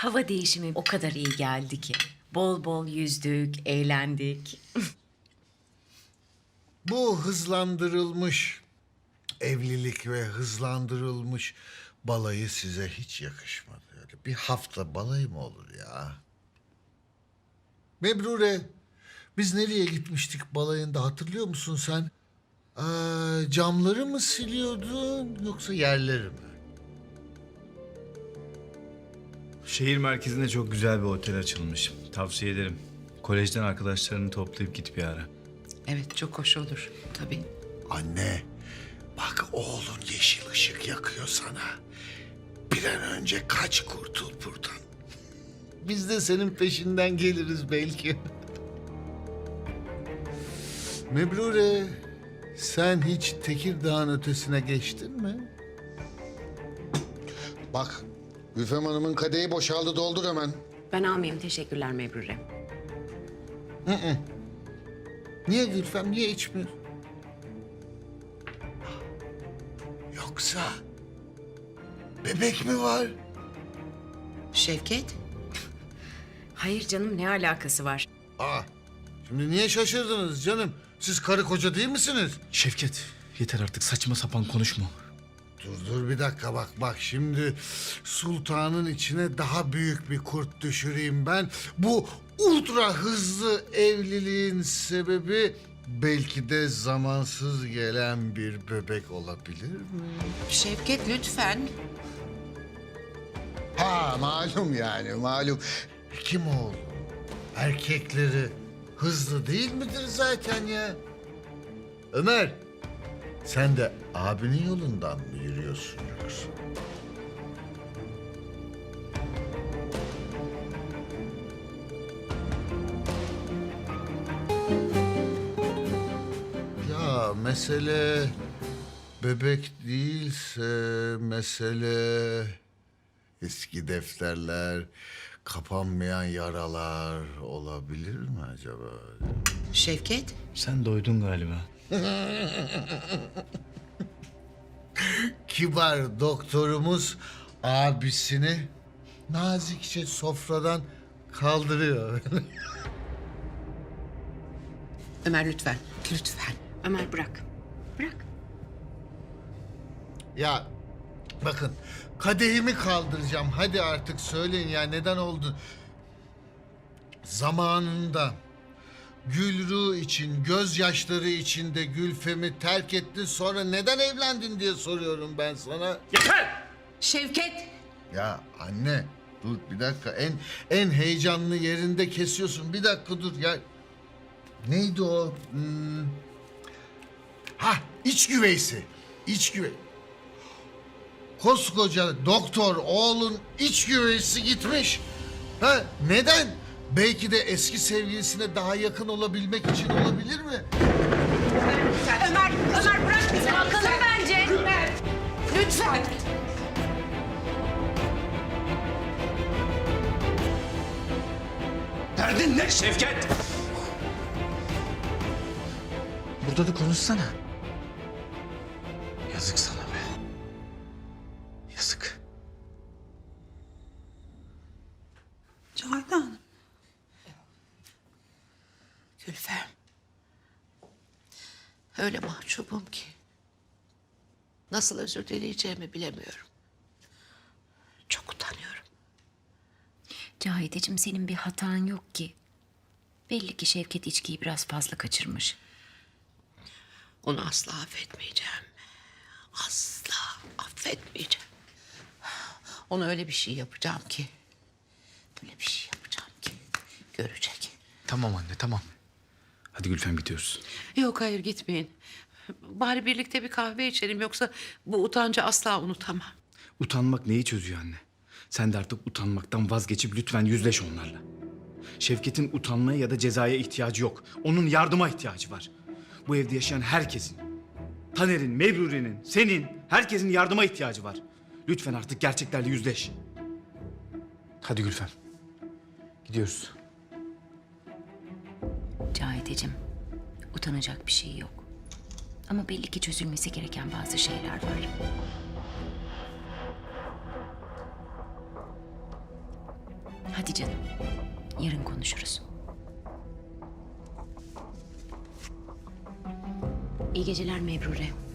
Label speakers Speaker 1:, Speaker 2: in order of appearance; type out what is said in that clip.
Speaker 1: Hava değişimi o kadar iyi geldi ki. Bol bol yüzdük, eğlendik.
Speaker 2: Bu hızlandırılmış evlilik ve hızlandırılmış balayı size hiç yakışmadı. Öyle bir hafta balayı mı olur ya? Mebrure, biz nereye gitmiştik balayında hatırlıyor musun sen? Camları mı siliyordun yoksa yerleri mi?
Speaker 3: Şehir merkezinde çok güzel bir otel açılmış. Tavsiye ederim. Kolejden arkadaşlarını toplayıp git bir ara.
Speaker 4: Evet, çok hoş olur. Tabii.
Speaker 2: Anne, bak oğlun yeşil ışık yakıyor sana. Bir an önce kaç kurtul buradan. Biz de senin peşinden geliriz belki. Mebrure, sen hiç Tekirdağ'ın ötesine geçtin mi?
Speaker 5: Bak, Gülfem Hanım'ın kadehi boşaldı, doldur hemen.
Speaker 4: Ben almayayım, teşekkürler Mebrure.
Speaker 2: Niye Gülfem, niye içmiyor? Yoksa bebek mi var?
Speaker 4: Şevket,
Speaker 1: Hayır canım, ne alakası var?
Speaker 2: Şimdi niye şaşırdınız canım? Siz karı koca değil misiniz?
Speaker 3: Şevket, yeter artık saçma sapan konuşma.
Speaker 2: Dur bir dakika bak şimdi sultanın içine daha büyük bir kurt düşüreyim ben. Bu ultra hızlı evliliğin sebebi belki de zamansız gelen bir bebek olabilir mi?
Speaker 4: Şevket lütfen.
Speaker 5: Ha, malum yani, malum.
Speaker 2: Kim oğlu? Erkekleri hızlı değil midir zaten ya? Ömer, sen de abinin yolundan mı yürüyorsun yoksa? Ya mesele bebek değilse mesele eski defterler, kapanmayan yaralar olabilir mi acaba?
Speaker 4: Şevket,
Speaker 3: Sen doydun galiba.
Speaker 2: Kibar doktorumuz abisini nazikçe sofradan kaldırıyor.
Speaker 4: Ömer lütfen. Lütfen. Ömer bırak. Bırak.
Speaker 2: Ya bakın kadehimi kaldıracağım. Hadi artık söyleyin ya neden oldu? Zamanında Gülru için, gözyaşları içinde Gülfem'i terk ettin. Sonra neden evlendin diye soruyorum ben sana.
Speaker 4: Şevket.
Speaker 2: Ya anne dur bir dakika. En heyecanlı yerinde kesiyorsun. Bir dakika dur ya. Neydi o? İç güveysi. İç güvey. Koskoca doktor oğlun iç güveysi gitmiş. Ha neden? Belki de eski sevgilisine daha yakın olabilmek için olabilir mi?
Speaker 1: Ömer bırak bizi, bakalım bence.
Speaker 4: Lütfen.
Speaker 3: Derdin ne Şevket? Burada da konuşsana. Yazık sana be. Yazık.
Speaker 6: Cahide Hanım.
Speaker 4: Gülfem. Öyle mahcubum ki. Nasıl özür dileyeceğimi bilemiyorum. Çok utanıyorum.
Speaker 1: Cahideciğim, senin bir hatan yok ki. Belli ki Şevket içkiyi biraz fazla kaçırmış.
Speaker 4: Onu asla affetmeyeceğim. Asla affetmeyeceğim. Ona öyle bir şey yapacağım ki. Öyle bir şey yapacağım ki. Görecek.
Speaker 3: Tamam anne tamam. Hadi Gülfem gidiyoruz.
Speaker 4: Yok hayır gitmeyin. Bari birlikte bir kahve içelim yoksa bu utancı asla unutamam.
Speaker 3: Utanmak neyi çözüyor anne? Sen de artık utanmaktan vazgeçip lütfen yüzleş onlarla. Şevket'in utanmaya ya da cezaya ihtiyacı yok. Onun yardıma ihtiyacı var. Bu evde yaşayan herkesin, Taner'in, Mebrure'nin, senin, herkesin yardıma ihtiyacı var. Lütfen artık gerçeklerle yüzleş. Hadi Gülfem. Gidiyoruz.
Speaker 1: Cahideciğim, utanacak bir şey yok. Ama belli ki çözülmesi gereken bazı şeyler var. Hadi canım. Yarın konuşuruz. İyi geceler Mebrure.